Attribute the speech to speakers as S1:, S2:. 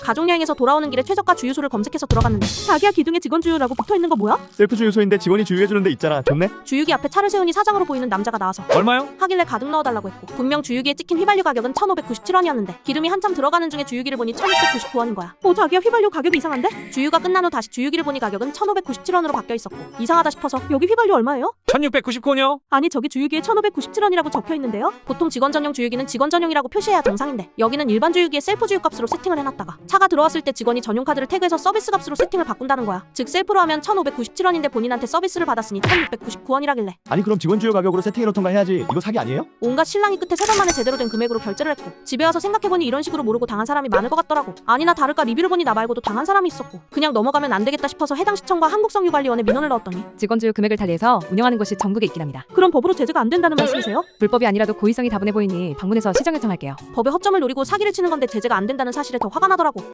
S1: 가족여행에서 돌아오는 길에 최저가 주유소를 검색해서 들어갔는데 자기야 기둥에 직원 주유라고 붙어있는 거 뭐야?
S2: 셀프 주유소인데 직원이 주유해주는 데 있잖아. 좋네.
S1: 주유기 앞에 차를 세우니 사장으로 보이는 남자가 나와서
S3: 얼마요?
S1: 하길래 가득 넣어달라고 했고 분명 주유기에 찍힌 휘발유 가격은 1,597원이었는데 기름이 한참 들어가는 중에 주유기를 보니 1,699원인 거야. 자기야 휘발유 가격이 이상한데? 주유가 끝난 후 다시 주유기를 보니 가격은 1,597원으로 바뀌어 있었고 이상하다 싶어서 여기 휘발유 얼마예요?
S3: 1699원이요?
S1: 아니 저기 주유기에 1,597원이라고 적혀있는데요? 보통 직원 전용 주유기는 직원 전용이라고 표시해야 정상인데 여기는 일반 주유기에 셀프 주유 값으로 세팅을 해놨다가 차가 들어왔을 때 직원이 전용 카드를 태그해서 서비스 값으로 세팅을 바꾼다는 거야. 즉 셀프로 하면 1,597원인데 본인한테 서비스를 받았으니 1,699원이라길래
S2: 아니 그럼 직원 주유 가격으로 세팅해놓던가 해야지. 이거 사기 아니에요?
S1: 온갖 실랑이 끝에 3번 만에 제대로 된 금액으로 결제를 했고 집에 와서 생각해보니 이런 식으로 모르고 당한 사람이 많을 것 같더라고. 아니나 다를까 리뷰를 보니 나 말고도 당한 사람이 있었고 그냥 넘어가면 안 되겠다 싶어서 해당 시청과 한국성유관리원에 민원을 넣었더니
S4: 직원주유 금액을 달리해서 운영하는 곳이 전국에 있긴 합니다.
S1: 그럼 법으로 제재가 안 된다는 말씀이세요?
S4: 불법이 아니라도 고의성이 다분해 보이니 방문해서 시정 요청할게요.
S1: 법의 허점을 노리고 사기를 치는 건데 제재가 안 된다는 사실에 더 화가 나더라고.